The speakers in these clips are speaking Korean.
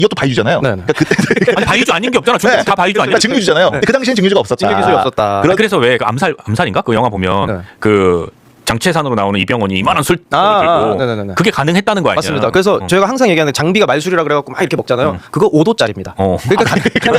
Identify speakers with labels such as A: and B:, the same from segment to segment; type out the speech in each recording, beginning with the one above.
A: 이것도 바이주잖아요.
B: 네네.
A: 그러니까 그때
C: 아니 바이주 아닌 게 없잖아.
A: 네.
C: 다 바이주 아니야.
A: 그러니까 증류주잖아요. 근데 그 당시엔 증류주가 없었다.
B: 징계 기술이 없었다.
C: 그래서 왜 그 암살인가 그 영화 보면
B: 네.
C: 그 장채산으로 나오는 이병헌이 이만한 술 들고
B: 네네네.
C: 그게 가능했다는 거 아니야?
B: 맞습니다. 그래서 저희가 항상 얘기하는 장비가 말술이라 그래갖고 막 이렇게 먹잖아요. 그거 5도짜리입니다. 그러니까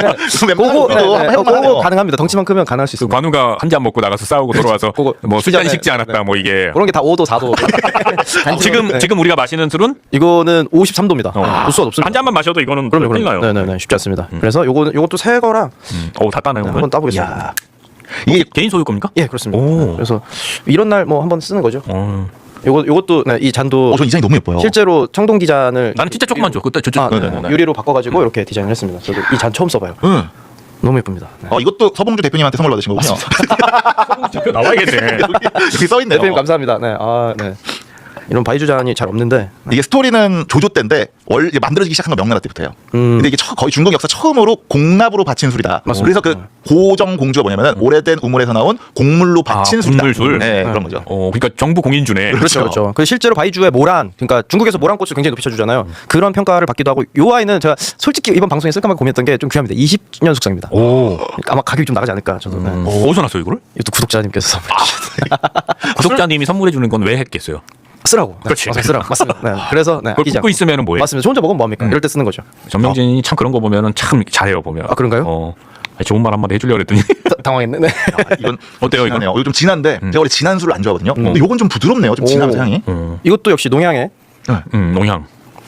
B: 그거 가능합니다. 덩치만 크면 가능할 수
C: 그
B: 있습니다.
C: 관우가 한 잔 먹고 나가서 싸우고 돌아와서
B: 그거
C: 뭐 술잔
B: 네,
C: 식지 않았다
B: 네.
C: 뭐 이게
B: 그런 게 다 5도, 4도.
C: 지금 우리가 마시는 술은
B: 이거는 53도입니다. 도수가 높습니다.
C: 한 잔만 마셔도 이거는
B: 그럼요,
C: 큰일 나요.
B: 네네네, 쉽지 않습니다. 그래서 요것도 새 거라
C: 다 따나요?
B: 한번 따보겠습니다.
A: 야.
C: 이게 개인 소유 겁니까?
B: 예, 그렇습니다.
C: 오.
B: 그래서 이런 날 뭐 한번 쓰는 거죠.
C: 어.
B: 요것도 네, 이 잔도
A: 저 이 잔이 너무 예뻐요.
B: 실제로 청동 기잔을
C: 나는 진짜 조금만 줘. 그때 저쪽.
B: 유리로 바꿔가지고 이렇게 디자인을 했습니다. 저도 이 잔 처음 써봐요.
A: 응.
B: 너무 예쁩니다. 네.
A: 이것도 서봉주 대표님한테 선물 받으신 거군요.
C: 대표 나와야겠네.
A: 여기 써 있네요.
B: 대표님 감사합니다. 네, 네. 이런 바이주 잔이 잘 없는데
A: 이게 스토리는 조조 때인데 원래 만들어지기 시작한 건 명나라 때부터예요. 근데 이게 거의 중국 역사 처음으로 공납으로 바친 술이다.
B: 맞습니다.
A: 그래서 그 고정 공주가 뭐냐면은 오래된 우물에서 나온 곡물로 바친 술이다.
C: 곡물술.
A: 네, 그런 거죠.
C: 그러니까 정부 공인주네.
B: 그렇죠. 그 실제로 바이주의 모란, 그러니까 중국에서 모란꽃을 굉장히 높이 쳐주잖아요. 그런 평가를 받기도 하고, 요 아이는 제가 솔직히 이번 방송에 쓸까 말까 고민했던 게 좀 귀합니다. 20년 숙성입니다.
C: 오.
B: 아마 가격이 좀 나가지 않을까 저도. 네.
C: 어디서 났어요 이거를?
B: 이것도 구독자님께서 선물 주셨어요.
C: 구독자님이 선물해 주는 건 왜 했겠어요?
B: 쓰라고. 네,
C: 그렇지.
B: 쓰라고. 맞습니다. 네. 그래서 네,
C: 그걸
B: 아끼지
C: 굽고
B: 않고.
C: 있으면은 뭐해?
B: 맞습니다. 저 혼자 먹으면 뭐합니까? 이럴 때 쓰는 거죠.
C: 전명진이 참 그런 거 보면은 참 잘해요 보면.
B: 아, 그런가요?
C: 좋은 말 한마디 해주려고 그랬더니
B: 당황했네. 네.
A: 이건
C: 어때요, 이건?
A: 진하네요. 이거 좀 진한데 제가 원래 진한 술을 안 좋아하거든요. 근데 이건 좀 부드럽네요. 좀 진하면서 향이.
B: 이것도 역시 농양에.
C: 농향.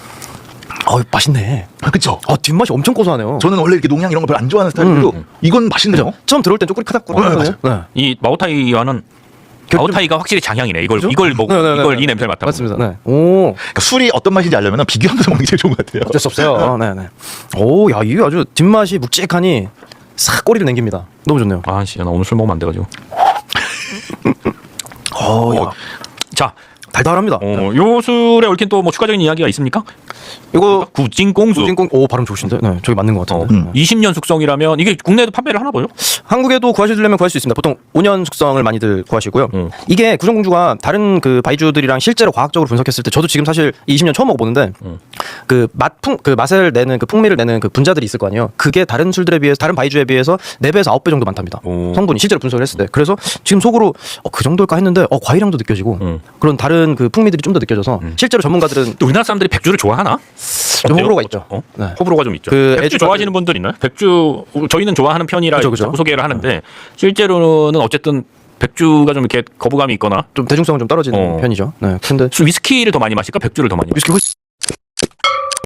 B: 맛있네.
A: 그렇죠.
B: 뒷맛이 엄청 고소하네요.
A: 저는 원래 이렇게 농향 이런 거 별로 안 좋아하는 스타일인데도 이건 맛있네요.
B: 처음 들어올 땐 쪼꼬리 카닥거리거든요. 네.
C: 이 마오타이와는 마오타이가 확실히 장향이네. 이걸
B: 네.
C: 이 냄새를 맡아.
B: 맞습니다. 네. 오.
A: 그러니까 술이 어떤 맛인지 알려면 비교하면서 먹는 게 제일 좋은 것 같아요.
B: 어쩔 수 없어요. 네네. 오, 야, 이게 아주 뒷맛이 묵직하니 싹 꼬리를 남깁니다. 너무 좋네요.
C: 아씨, 나 오늘 술 먹으면 안 돼가지고.
B: 야.
C: 자,
B: 달달합니다.
C: 요 술에 얽힌 또 뭐 추가적인 이야기가 있습니까?
B: 이거
C: 구진공수.
B: 구진공 발음 좋으신데. 네, 저기 맞는 것 같은데.
C: 20년 숙성이라면 이게 국내에도 판매를 하나 보죠?
B: 한국에도 구하시려면 구할 수 있습니다. 보통 5년 숙성을 많이들 구하시고요. 이게 구정공주가 다른 그 바이주들이랑 실제로 과학적으로 분석했을 때 저도 지금 사실 20년 처음 먹어보는데 그 맛을 내는 그 풍미를 내는 그 분자들이 있을 거 아니에요. 그게 다른 술들에 비해서 다른 바이주에 비해서 4배에서 9배 정도 많답니다. 성분이 실제로 분석을 했을 때. 그래서 지금 속으로 그 정도일까 했는데 과일향도 느껴지고 그런 다른 그 풍미들이 좀 더 느껴져서 실제로 전문가들은
C: 또 우리나라 사람들이 백주를 좋아하나?
B: 좀 호불호가 있죠.
C: 네. 호불호가 좀 있죠.
B: 그
C: 백주 좋아하시는 분들 있나요? 백주 저희는 좋아하는 편이라
B: 그죠.
C: 자꾸 소개를 하는데 실제로는 어쨌든 백주가 좀 이렇게 거부감이 있거나
B: 좀 대중성은 좀 떨어지는 편이죠. 네. 근데
C: 위스키를 더 많이 마실까? 백주를 더 많이 마실까?
B: 위스키